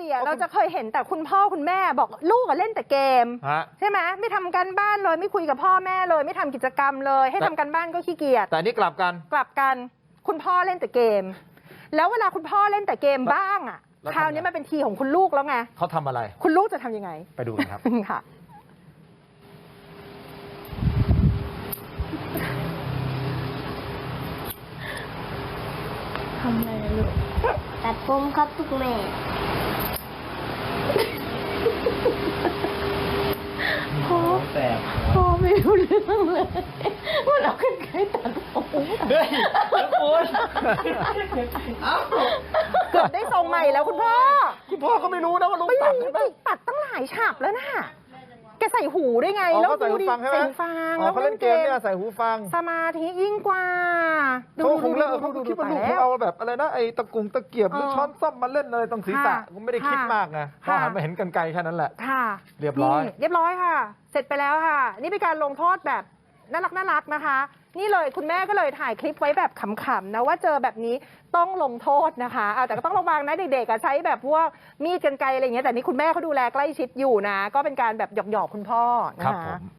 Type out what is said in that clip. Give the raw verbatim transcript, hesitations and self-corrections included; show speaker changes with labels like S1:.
S1: อ่ะเราจะเคยเห็นแต่คุณพ่อคุณแม่บอกลูกอะเล่นแต่เกมใช่ไหมไม่ทำการบ้านเลยไม่คุยกับพ่อแม่เลยไม่ทำกิจกรรมเลยให้ทำการบ้านก็ขี้เกียจ
S2: แต่นี่กลับกัน
S1: กลับกันคุณพ่อเล่นแต่เกมแล้วเวลาคุณพ่อเล่นแต่เกมบ้างอ่ะคราวนี้มันเป็นทีของคุณลูกแล้วไง
S2: เขาทำอะไร
S1: คุณลูกจะทำยังไง
S2: ไปดูกันครับ
S1: ค่ะ
S3: ทำอะไรลูกตัดผมครับทุกแม่พ่อพ่อไม่รู้เรื่องเลยว่าเราขึ้นใครตัดผม
S2: เฮ้ยคุณ
S1: เกือบได้ทรงใหม่แล้วคุณพ่อ
S2: คุณพ่อก็ไม่รู้นะว่าลูกตัดใช่ไหม
S1: ตัดตั้งหลายฉากแล้วนะแกใส่หูได้ไง
S2: แล้วใส่หูฟังใช่ไหม
S1: ฟัง
S2: แล้วเขาเล่นเกมเนี่ยใส่หูฟัง
S1: สมาธิยิ่งกว่า
S2: เขาคงเล่นเขาคิดว่าลูกเอาแบบอะไรนะไอ้ตะกุงตะเกียบหรือช้อนส้อมมาเล่นเลยตรงศีรษะผมไม่ได้คิดมากไงพอหันมาเห็นกรรไกรแค่นั้นแหละ
S1: ค่ะ
S2: เรียบร้อย
S1: เรียบร้อยค่ะเสร็จไปแล้วค่ะนี่เป็นการลงโทษแบบน่ารักน่ารักนะคะนี่เลยคุณแม่ก็เลยถ่ายคลิปไว้แบบขำๆนะว่าเจอแบบนี้ต้องลงโทษนะคะเอาแต่ก็ต้องระวังนะเด็กๆใช้แบบพวกมีดกรรไกรอะไรอย่างเงี้ยแต่นี่คุณแม่เขาดูแลใกล้ชิดอยู่นะก็เป็นการแบบหยอกๆคุณพ่อนะคะ